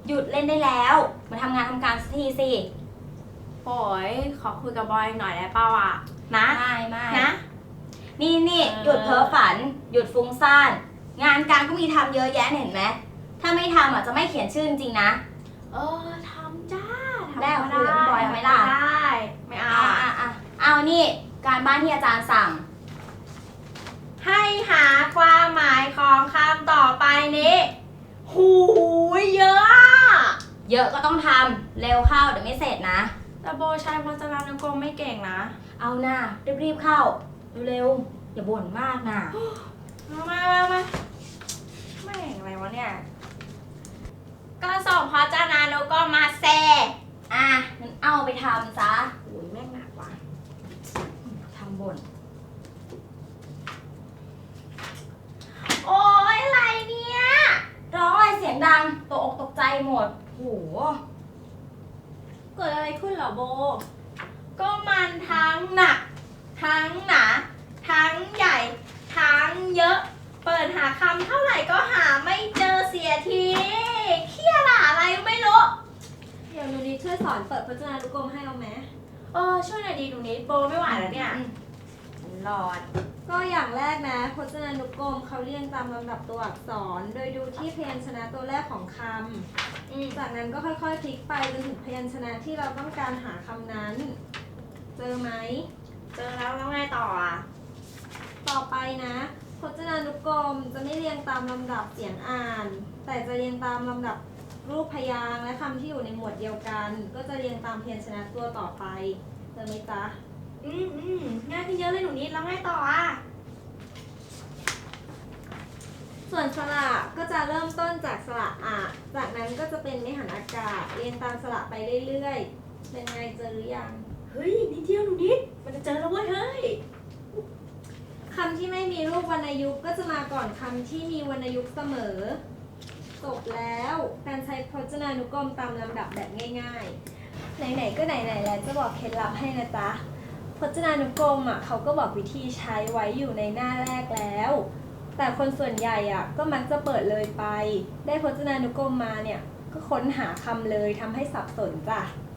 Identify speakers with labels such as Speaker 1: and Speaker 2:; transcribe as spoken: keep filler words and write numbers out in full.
Speaker 1: หยุดเล่นได้แล้ว มาทำงานทำการสักทีสิ
Speaker 2: โอ้ยขอคุยกับบอยหน่อยได้เปล่าอ่ะนะ
Speaker 1: ไม่ไม่
Speaker 2: นะ
Speaker 1: นี่นี่
Speaker 2: เออ
Speaker 1: หยุดเพ้อฝัน หยุดฟุ้งซ่าน งานการก็มีทำเยอะแยะเห็นไหม ถ้าไม่ทำอ่ะจะไม่เขียนชื่อจริงๆนะ
Speaker 2: เออทำจ้าทำ
Speaker 1: ได้
Speaker 2: ก็
Speaker 1: คุยกับพี่บอยไหมล่ะ
Speaker 2: ได้ไม่เอา
Speaker 1: อ่ะอ่ะอ่ะเอานี่ การบ้านที่อาจารย์สั่ง
Speaker 2: ให้หาความหมายของคำต่อไปนี้ หูยเยอะอะ
Speaker 1: เยอะก็ต้องทำเร็วเข้าเดี๋ยวไม่เสร็จนะ
Speaker 2: แต่โบใช้พจนานุกรมไม่เก่งนะ
Speaker 1: เอาหน้ารีบๆเข้าเร็วๆอย่าบ่นมากนะ
Speaker 2: มามามามาไม่เก่งอะไรวะเนี่ย ก็ส่งพจนานุกรมมาแซ่
Speaker 1: อ่ะงั้นเอาไปทำซะ
Speaker 2: โอ้ยแม่งหนักว่ะ
Speaker 1: ทำบ่น
Speaker 2: โอ้ยอะไรเนี่ย
Speaker 1: ร้องอะไรเสียงดังตกอกตกใจหมดโห
Speaker 2: เกิดอะไรขึ้นเหรอโบ ก็มันทั้งหนัก ทั้งหนา ทั้งใหญ่ ทั้งเยอะ เปิดหาคำเท่าไหร่ก็หาไม่เจอเสียทีเครียดอะอะไรไม่รู้
Speaker 3: เดี๋ยวหนูนิดช่วยสอนเปิดพจนานุกรมให้เอาไหม
Speaker 2: เออช่วยหน่อยดีตรงนี้โบไม่ไหวแล้วเนี่ย
Speaker 1: อืมหลอด
Speaker 3: ก็อย่างแรกนะพจนานุกรมเขาเรียงตามลำดับตัวอักษร โดยดูที่พยัญชนะตัวแรกของค
Speaker 2: อืม
Speaker 3: ำจากนั้นก็ค่อยๆพลิกไปจนถึงพยัญชนะที่เราต้องการหาคำนั้น เจอไหม
Speaker 2: เจอแล้วแล้วไงต่ออ่ะ
Speaker 3: ต่อไปนะพจนานุกรมจะไม่เรียงตามลำดับเสียงอ่าน แต่จะเรียงตามลำดับรูปพยางค์และคำที่อยู่ในหมวดเดียวกัน ก็จะเรียงตามพยัญชนะตัวต่อไปเจอไหมจ๊ะ
Speaker 2: อืมอืมง่ายขึ้นเยอะเลยหนูนิดแล้วไงต่ออ่ะ
Speaker 3: ส่วนสระก็จะเริ่มต้นจากสระอะจากนั้นก็จะเป็นไม่หันอากาศ เรียงตามสระไปเรื่อยๆ เป็นไงเจอหรือยัง
Speaker 2: เฮ้ยนิดเดียวหนูนิดมันจะเจอแล้วเว้ยเฮ้ย
Speaker 3: คำที่ไม่มีรูปวรรณยุกต์ก็จะมาก่อนคำที่มีวรรณยุกต์เสมอ จบแล้วการใช้พจนานุกรมตามลำดับแบบง่ายๆ ไหนๆก็ไหนๆแล้วจะบอกเคล็ดลับให้นะจ๊ะ พจนานุกรมอ่ะเขาก็บอกวิธีใช้ไว้อยู่ในหน้าแรกแล้ว แต่คนส่วนใหญ่อ่ะก็มักจะเปิดเลยไป ได้พจนานุกรมมาเนี่ยก็ค้นหาคำเลยทำให้สับสนจ้ะ